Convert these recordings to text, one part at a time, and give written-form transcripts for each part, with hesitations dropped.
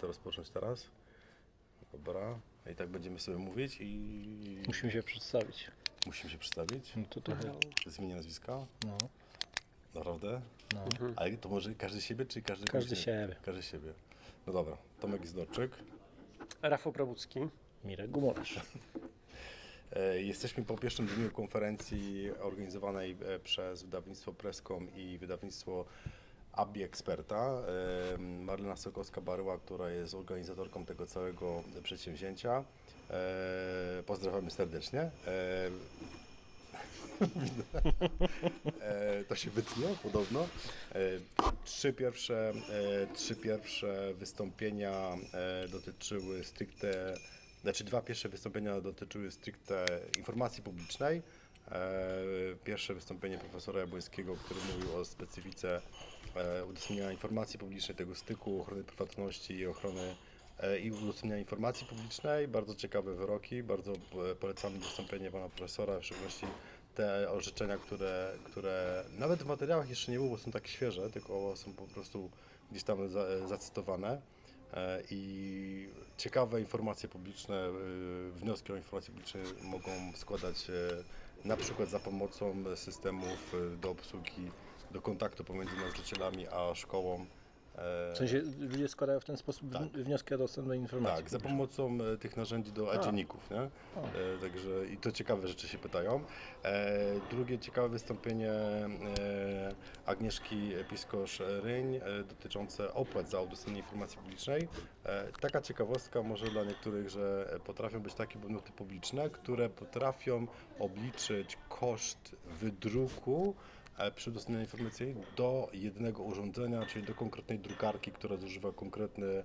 to rozpocząć teraz? Dobra. I tak będziemy sobie mówić i... Musimy się przedstawić. Musimy się przedstawić? No to trochę. Zmienię nazwiska? No. Naprawdę? No. Ale to może każdy siebie, czy każdy... Każdy siebie. Każdy siebie. No dobra. Tomek Zdorczyk. Rafał Prabucki. Mirek Gumorz. Jesteśmy po pierwszym dniu konferencji organizowanej przez wydawnictwo Presscom i wydawnictwo ABI Experta. Marlena Sokowska-Baryła, która jest organizatorką tego całego przedsięwzięcia. Pozdrawiamy serdecznie. To się wytnie podobno. Trzy pierwsze wystąpienia dotyczyły stricte, znaczy dwa pierwsze wystąpienia dotyczyły stricte informacji publicznej. Pierwsze wystąpienie profesora Jabłońskiego, który mówił o specyfice udostępniania informacji publicznej, tego styku, ochrony prywatności i ochrony i udostępniania informacji publicznej. Bardzo ciekawe wyroki, bardzo polecamy wystąpienie pana profesora, w szczególności te orzeczenia, które nawet w materiałach jeszcze nie było, bo są tak świeże, tylko są po prostu gdzieś tam zacytowane. I ciekawe informacje publiczne, wnioski o informacje publiczne mogą składać na przykład za pomocą systemów do obsługi, do kontaktu pomiędzy nauczycielami a szkołą. W sensie ludzie składają w ten sposób wnioski o dostęp do informacji. Tak, za pomocą tych narzędzi do dzienników, nie? Także i to ciekawe rzeczy się pytają. Drugie ciekawe wystąpienie Agnieszki Piskosz-Ryń dotyczące opłat za udostępnienie informacji publicznej. Taka ciekawostka może dla niektórych, że potrafią być takie podmioty publiczne, które potrafią obliczyć koszt wydruku przy udostępnianiu informacji do jednego urządzenia, czyli do konkretnej drukarki, która zużywa konkretny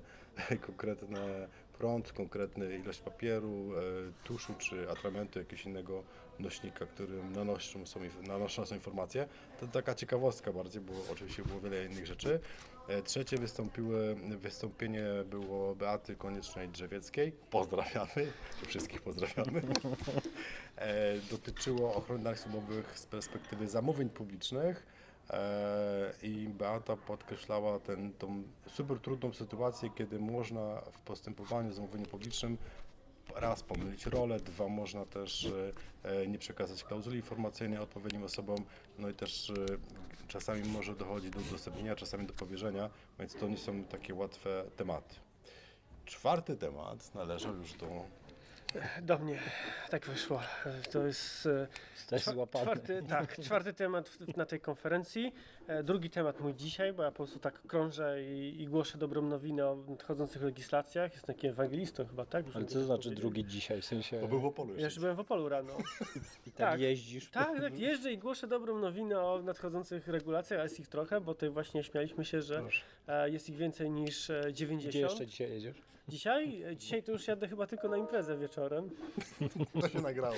prąd, konkretną ilość papieru, tuszu czy atramentu, jakiegoś innego nośnika, którym nanoszone są informacje. To taka ciekawostka bardziej, bo oczywiście było wiele innych rzeczy. Trzecie wystąpienie było Beaty Koniecznej-Drzewieckiej. Pozdrawiamy, wszystkich pozdrawiamy. Dotyczyło ochrony danych służbowych z perspektywy zamówień publicznych. I Beata podkreślała tą super trudną sytuację, kiedy można w postępowaniu zamówieniu publicznym raz pomylić rolę, dwa można też nie przekazać klauzuli informacyjnej odpowiednim osobom, no i też czasami może dochodzić do udostępnienia, czasami do powierzenia, więc to nie są takie łatwe tematy. Czwarty temat należał już Do mnie. Tak wyszło. To jest czwarty temat na tej konferencji. Drugi temat mój dzisiaj, bo ja po prostu tak krążę i głoszę dobrą nowinę o nadchodzących legislacjach. Jestem takim ewangelistą chyba, tak? Ale co to znaczy drugi dzisiaj? W sensie... Bo był w Opolu Ja już byłem w Opolu rano. I tak jeździsz? Tak, jeżdżę i głoszę dobrą nowinę o nadchodzących regulacjach, a jest ich trochę, bo tutaj właśnie śmialiśmy się, że jest ich więcej niż 90. Gdzie jeszcze dzisiaj jedziesz? Dzisiaj to już jadę chyba tylko na imprezę wieczorem. To się nagrało.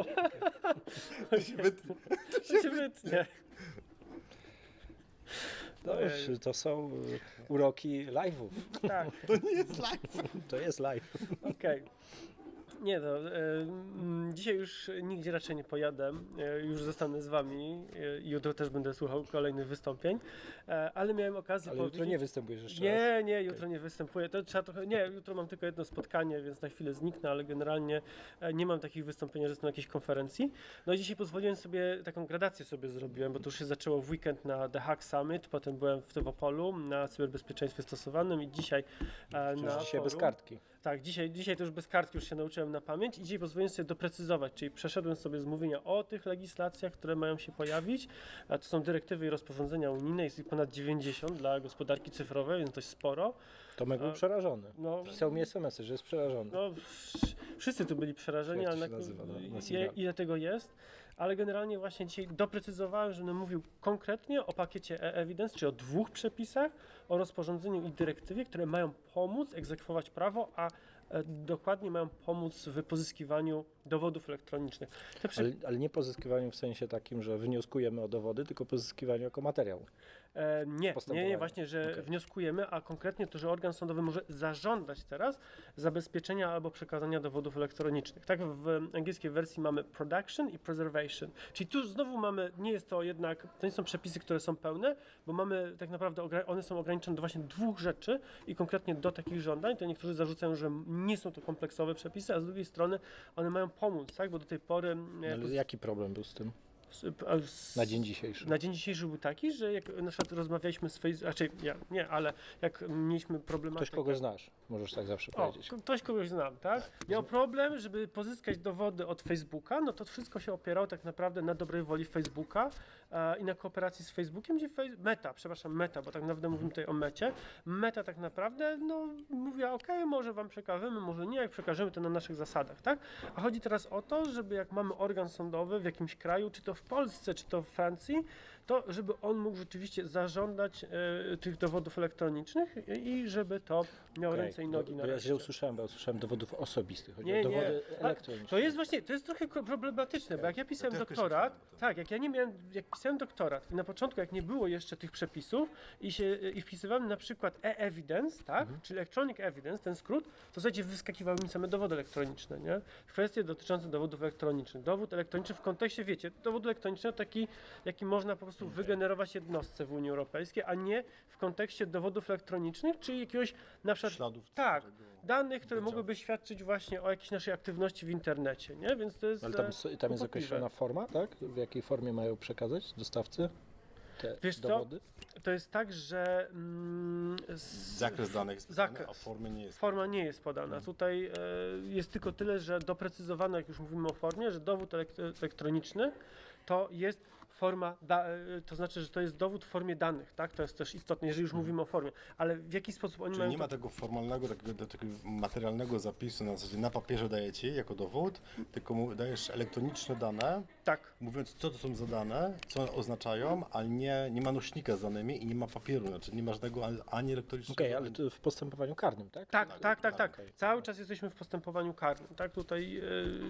To się wytnie. No już, to są uroki live'ów. Tak, To nie jest live. To jest live. okej. Nie no, dzisiaj już nigdzie raczej nie pojadę, już zostanę z wami, jutro też będę słuchał kolejnych wystąpień, ale miałem okazję Ale jutro nie występujesz jeszcze raz? Nie, jutro nie występuję, to trzeba trochę, jutro mam tylko jedno spotkanie, więc na chwilę zniknę, ale generalnie nie mam takich wystąpień, że jestem na jakiejś konferencji. No i dzisiaj pozwoliłem sobie, taką gradację sobie zrobiłem, bo to już się zaczęło w weekend na The Hack Summit, potem byłem w Opolu na cyberbezpieczeństwie stosowanym i dzisiaj na Dzisiaj bez forum. kartki. Tak, dzisiaj to już bez kartki już się nauczyłem na pamięć i dzisiaj pozwoliłem sobie doprecyzować, czyli przeszedłem sobie z mówienia o tych legislacjach, które mają się pojawić. A to są dyrektywy i rozporządzenia unijne, jest ich ponad 90 dla gospodarki cyfrowej, więc dość sporo. Tomek był przerażony. No, Pisał mi SMS-y, że jest przerażony. no, wszyscy tu byli przerażeni, Jak to ale się nazywa, ile tego jest. Ale generalnie właśnie dzisiaj doprecyzowałem, że będę mówił konkretnie o pakiecie e-evidence, czyli o dwóch przepisach, o rozporządzeniu i dyrektywie, które mają pomóc egzekwować prawo, a dokładnie mają pomóc w pozyskiwaniu dowodów elektronicznych. Te Ale nie pozyskiwaniu w sensie takim, że wnioskujemy o dowody, tylko pozyskiwaniu jako materiał. Nie, Postępowanie. właśnie, że Okej. wnioskujemy, a konkretnie to, że organ sądowy może zażądać teraz zabezpieczenia albo przekazania dowodów elektronicznych. Tak w angielskiej wersji mamy production i preservation, czyli tu znowu mamy, nie jest to jednak, to nie są przepisy, które są pełne, bo mamy tak naprawdę, one są ograniczone do właśnie dwóch rzeczy i konkretnie do takich żądań, to niektórzy zarzucają, że nie są to kompleksowe przepisy, a z drugiej strony one mają pomóc, tak, bo do tej pory Ale jaki problem był z tym s- na dzień dzisiejszy? na dzień dzisiejszy był taki, że jak na przykład rozmawialiśmy z Facebookiem, raczej ja nie, ale jak mieliśmy problematykę... Ktoś kogoś znasz, możesz tak zawsze powiedzieć. Ktoś kogoś znam, tak? Miał problem, żeby pozyskać dowody od Facebooka, no to wszystko się opierało tak naprawdę na dobrej woli Facebooka i na kooperacji z Facebookiem, gdzie Meta, bo tak naprawdę mówimy tutaj o Mecie. Meta tak naprawdę, no, mówiła, okej, może wam przekażemy, może nie, jak przekażemy, to na naszych zasadach, tak? A chodzi teraz o to, żeby jak mamy organ sądowy w jakimś kraju, czy to w Polsce, czy to w Francji, to żeby on mógł rzeczywiście zażądać tych dowodów elektronicznych i żeby to miało Okej, ręce i nogi bo na ja reszcie. źle usłyszałem, bo ja usłyszałem dowodów osobistych, chodzi Nie, o dowody nie. elektroniczne. To jest właśnie, to jest trochę problematyczne, bo jak ja pisałem też doktorat, myślałem o tym. tak, jak pisałem doktorat i na początku, jak nie było jeszcze tych przepisów i wpisywałem na przykład e-evidence, tak, czyli electronic evidence, ten skrót, to w zasadzie wyskakiwały mi same dowody elektroniczne, nie? Kwestie dotyczące dowodów elektronicznych. Dowód elektroniczny w kontekście, wiecie, dowód elektroniczny to taki, jaki można po prostu wygenerować jednostce w Unii Europejskiej, a nie w kontekście dowodów elektronicznych, czyli jakiegoś na przykład Śladów tak, całego danych, które bycia. mogłyby świadczyć właśnie o jakiejś naszej aktywności w internecie, nie? Więc to jest Ale tam jest kłopotliwe. określona forma, tak? W jakiej formie mają przekazać dostawcy te Wiesz co? dowody? To jest tak, że Zakres danych jest podany, zakres. a formy nie jest. forma nie jest podana. Tutaj jest tylko tyle, że doprecyzowano, jak już mówimy o formie, że dowód elektroniczny to jest forma, to znaczy, że to jest dowód w formie danych, tak? To jest też istotne, jeżeli już mówimy o formie. Ale w jaki sposób oni Czyli mają nie ma to... tego formalnego, takiego materialnego zapisu na zasadzie na papierze daje ci jako dowód, tylko dajesz elektroniczne dane, Tak. mówiąc co to są za dane, co one oznaczają, ale nie ma nośnika z danymi i nie ma papieru, znaczy nie ma żadnego ani elektronicznego. Okej, ale to w postępowaniu karnym, tak? Tak. okej. Cały czas jesteśmy w postępowaniu karnym, tak? Tutaj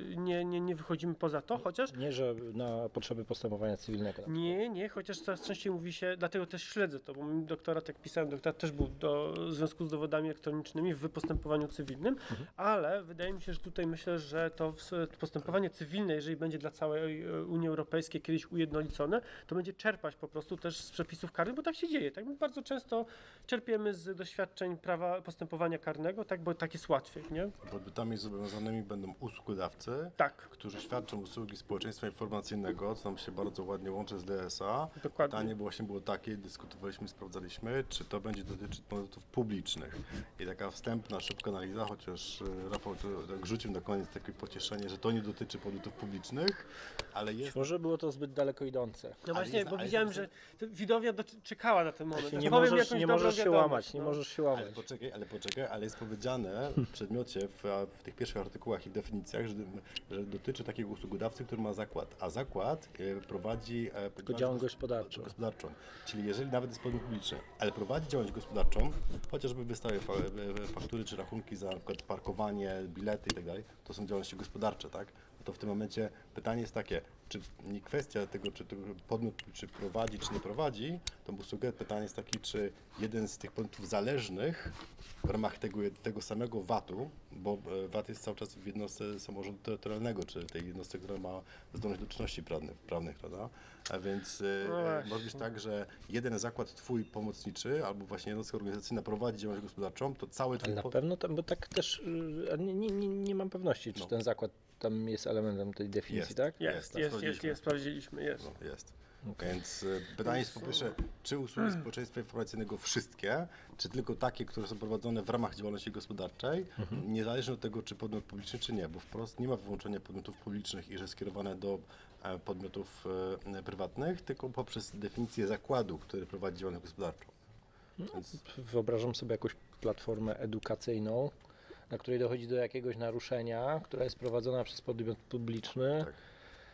nie wychodzimy poza to, chociaż Nie, że na potrzeby postępowania cywilnego. Nie, chociaż coraz częściej mówi się, dlatego też śledzę to, bo mój doktorat, jak pisałem, doktorat też był w związku z dowodami elektronicznymi w postępowaniu cywilnym, ale wydaje mi się, że tutaj myślę, że to postępowanie cywilne, jeżeli będzie dla całej Unii Europejskiej kiedyś ujednolicone, to będzie czerpać po prostu też z przepisów karnych, bo tak się dzieje. Tak? My bardzo często czerpiemy z doświadczeń prawa postępowania karnego, tak, bo tak jest łatwiej, nie? Podmiotami zobowiązanymi będą usługodawcy, Tak. którzy świadczą usługi społeczeństwa informacyjnego, co nam się bardzo ładnie łączy z DSA. Dokładnie. Pytanie właśnie było takie, dyskutowaliśmy, sprawdzaliśmy, czy to będzie dotyczyć podmiotów publicznych. I taka wstępna, szybka analiza, chociaż Rafał to tak rzucił na koniec takie pocieszenie, że to nie dotyczy podmiotów publicznych, ale jest... Może było to zbyt daleko idące. No właśnie, jest- bo ale widziałem, jest- że widownia czekała na ten moment. Nie Powiem możesz, jakąś nie dobrą możesz się wiadomość, łamać, nie no. możesz się łamać. Ale poczekaj, ale jest powiedziane w przedmiocie, w tych pierwszych artykułach i definicjach, że dotyczy takiego usługodawcy, który ma zakład, a zakład prowadzi działalność gospodarczą. Czyli jeżeli nawet jest podmiot publiczny, ale prowadzi działalność gospodarczą, chociażby wystawia faktury czy rachunki za na przykład parkowanie, bilety i tak dalej, to są działalności gospodarcze, tak? No to w tym momencie pytanie jest takie, czy nie kwestia tego, czy to podmiot czy prowadzi, czy nie prowadzi tą usługę, pytanie jest takie, czy jeden z tych podmiotów zależnych w ramach tego samego VAT-u, bo VAT jest cały czas w jednostce samorządu terytorialnego, czy tej jednostce, która ma zdolność do czynności prawnych, prawda? A więc No właśnie. może być tak, że jeden zakład twój pomocniczy, albo właśnie jednostka organizacyjna prowadzi działalność gospodarczą, to cały Ale twój na pewno tam, bo tak też nie mam pewności, czy No. ten zakład tam jest elementem tej definicji, Jest. tak? Jest, sprawdziliśmy, jest. No, jest. Więc pytanie jest po pierwsze, czy usługi społeczeństwa informacyjnego wszystkie, czy tylko takie, które są prowadzone w ramach działalności gospodarczej, niezależnie od tego, czy podmiot publiczny, czy nie, bo wprost nie ma wyłączenia podmiotów publicznych i że skierowane do podmiotów prywatnych, tylko poprzez definicję zakładu, który prowadzi działalność gospodarczą. Więc Wyobrażam sobie jakąś platformę edukacyjną, na której dochodzi do jakiegoś naruszenia, która jest prowadzona przez podmiot publiczny. Tak.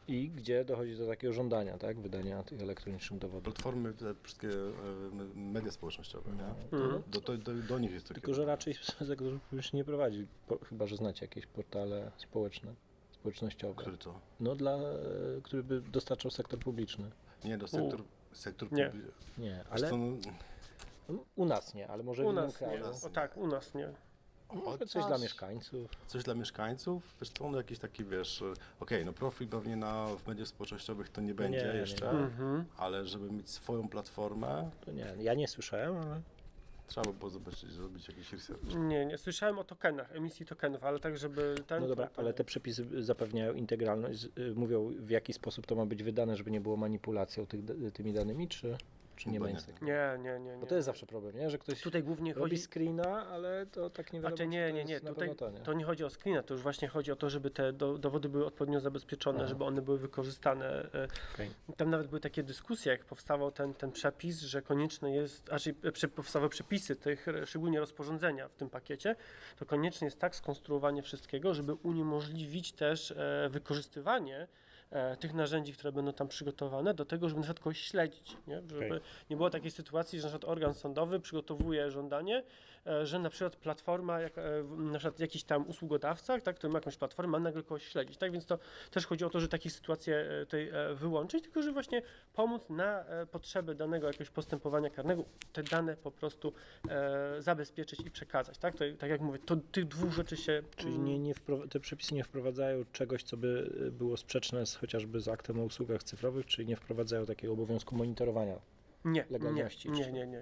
I gdzie dochodzi do takiego żądania, tak? Wydania tych elektronicznych dowodów. Platformy, te wszystkie media społecznościowe, nie? Mhm. Do nich jest to Tylko, że raczej sektor publiczny nie prowadzi, chyba że znacie jakieś portale społecznościowe. Który co? No który by dostarczał sektor publiczny. Nie, sektor Nie. publiczny. Nie, ale Ale u nas nie, ale może U w innym nas kraju. nie. O tak, u nas nie. Może coś dla mieszkańców. Coś dla mieszkańców? Wiesz co, no jakiś taki, wiesz, no profil pewnie w mediach społecznościowych to nie będzie nie, jeszcze, Mhm. ale żeby mieć swoją platformę, To nie, ja nie słyszałem, ale trzeba by było zrobić jakiś research. Nie. Słyszałem o tokenach, emisji tokenów, ale tak, żeby ten... no dobra, to ale nie. te przepisy zapewniają integralność, mówią w jaki sposób to ma być wydane, żeby nie było manipulacją tymi danymi, czy nie Chyba ma nie. nic takiego? Nie. Bo to jest zawsze problem, nie? Że ktoś Tutaj głównie robi chodzi... screena, ale to tak nie wiadomo, Znaczy czy to nie. jest na Tutaj pewno to, nie? to nie chodzi o screena, to już właśnie chodzi o to, żeby te dowody były odpowiednio zabezpieczone, Aha. żeby one były wykorzystane. Okej. Tam nawet były takie dyskusje, jak powstawał ten przepis, że konieczne jest, powstały przepisy tych, szczególnie rozporządzenia w tym pakiecie, to konieczne jest tak skonstruowanie wszystkiego, żeby uniemożliwić też wykorzystywanie tych narzędzi, które będą tam przygotowane, do tego, żeby na przykład kogoś śledzić, nie? Żeby Okej. nie było takiej sytuacji, że na przykład organ sądowy przygotowuje żądanie, że na przykład platforma, na przykład jakiś tam usługodawca, tak, który ma jakąś platformę, ma nagle kogoś śledzić, tak, więc to też chodzi o to, że takie sytuacje tutaj wyłączyć, tylko że właśnie pomóc na potrzeby danego jakiegoś postępowania karnego, te dane po prostu zabezpieczyć i przekazać, tak, to, tak jak mówię, to tych dwóch rzeczy się... Czyli te przepisy nie wprowadzają czegoś, co by było sprzeczne chociażby z aktem o usługach cyfrowych, czyli nie wprowadzają takiego obowiązku monitorowania legalności. Nie.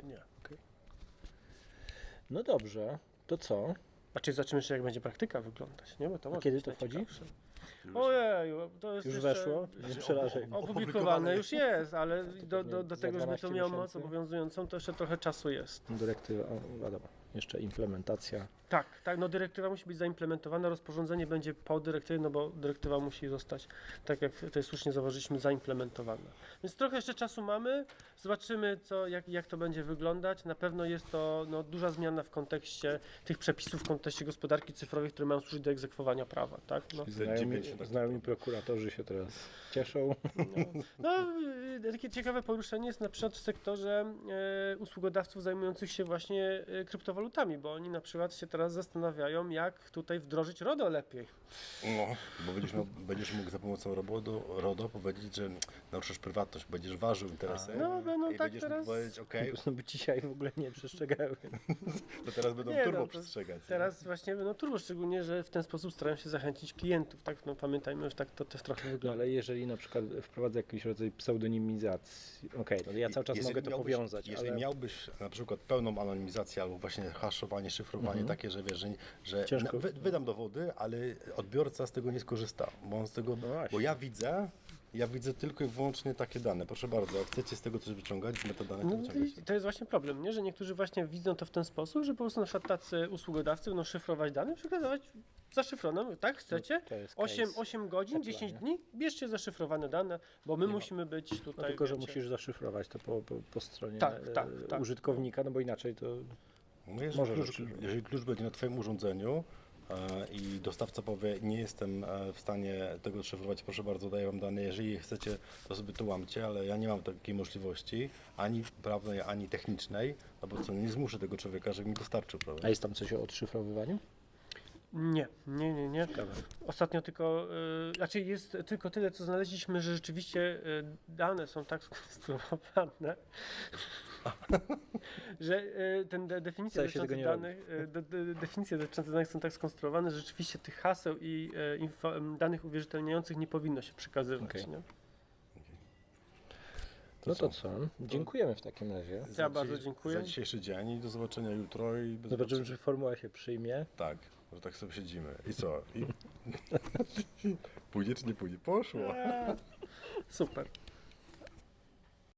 No dobrze, to co? A czy zobaczymy jeszcze, jak będzie praktyka wyglądać, nie? Bo to może kiedy być to wchodzi? najciekawsze. Ojeju, to jest Już jeszcze weszło? Nie przerażaj. Opublikowane już jest, ale do pewnie tego, żeby to 12 miało moc miesięcy. obowiązującą, to jeszcze trochę czasu jest. Dyrektywa, wiadomo, jeszcze implementacja. Tak, no dyrektywa musi być zaimplementowana, rozporządzenie będzie po dyrektywie, no bo dyrektywa musi zostać, tak jak tutaj słusznie zauważyliśmy, zaimplementowana. Więc trochę jeszcze czasu mamy, zobaczymy jak to będzie wyglądać. Na pewno jest to duża zmiana w kontekście tych przepisów, w kontekście gospodarki cyfrowej, które mają służyć do egzekwowania prawa, tak? Znajomi prokuratorzy się teraz cieszą. Takie ciekawe poruszenie jest na przykład w sektorze usługodawców zajmujących się właśnie kryptowalutami, bo oni na przykład się teraz zastanawiają, jak tutaj wdrożyć RODO lepiej. No, bo będziesz mógł za pomocą RODO powiedzieć, że naruszasz prywatność, będziesz ważył interesy i tak będziesz teraz... mógł powiedzieć, okej, No by dzisiaj w ogóle nie przestrzegały. to teraz będą Nie, turbo to przestrzegać. Teraz właśnie turbo, szczególnie, że w ten sposób starają się zachęcić klientów, tak? No pamiętajmy, że tak to też trochę No wygląda. ale jeżeli na przykład wprowadza jakiś rodzaj pseudonimizacji, no ja cały czas mogę to powiązać, Jeżeli ale miałbyś na przykład pełną anonimizację albo właśnie haszowanie, szyfrowanie takie, że wiesz, że Ciężko. wydam dowody, ale odbiorca z tego nie skorzysta, bo on z tego, właśnie. bo ja widzę tylko i wyłącznie takie dane. Proszę bardzo, jak chcecie z tego coś wyciągać, metadane to No wyciągać. to jest właśnie problem, nie? Że niektórzy właśnie widzą to w ten sposób, że po prostu na przykład tacy usługodawcy będą szyfrować dane, przekazywać zaszyfrowane, tak? Chcecie? to jest 8 godzin, Apple, 10 nie? dni, bierzcie zaszyfrowane dane, bo my musimy być no tutaj, tylko, że wiecie, musisz zaszyfrować to po stronie Tak. użytkownika, no bo inaczej to No Może jeżeli klucz będzie na Twoim urządzeniu i dostawca powie, nie jestem w stanie tego szyfrować, proszę bardzo, daję Wam dane, jeżeli chcecie, to sobie to łamcie, ale ja nie mam takiej możliwości, ani prawnej, ani technicznej, no bo co, nie zmuszę tego człowieka, żeby mi dostarczył, prawda? A jest tam coś o odszyfrowywaniu? Nie. Ciekawe. Ostatnio tylko, znaczy jest tylko tyle, co znaleźliśmy, że rzeczywiście dane są tak skonstruowane, że definicje Wcale się tego dotyczące nie danych, definicje dotyczące danych są tak skonstruowane, że rzeczywiście tych haseł i danych uwierzytelniających nie powinno się przekazywać. Okej. Nie? No to co? Dziękujemy w takim razie. Ja bardzo dziękuję. Za dzisiejszy dzień i do zobaczenia jutro i do Zobaczymy, czy formuła się przyjmie. Tak, że tak sobie siedzimy. I co? Pójdzie czy nie pójdzie? Poszło. Super.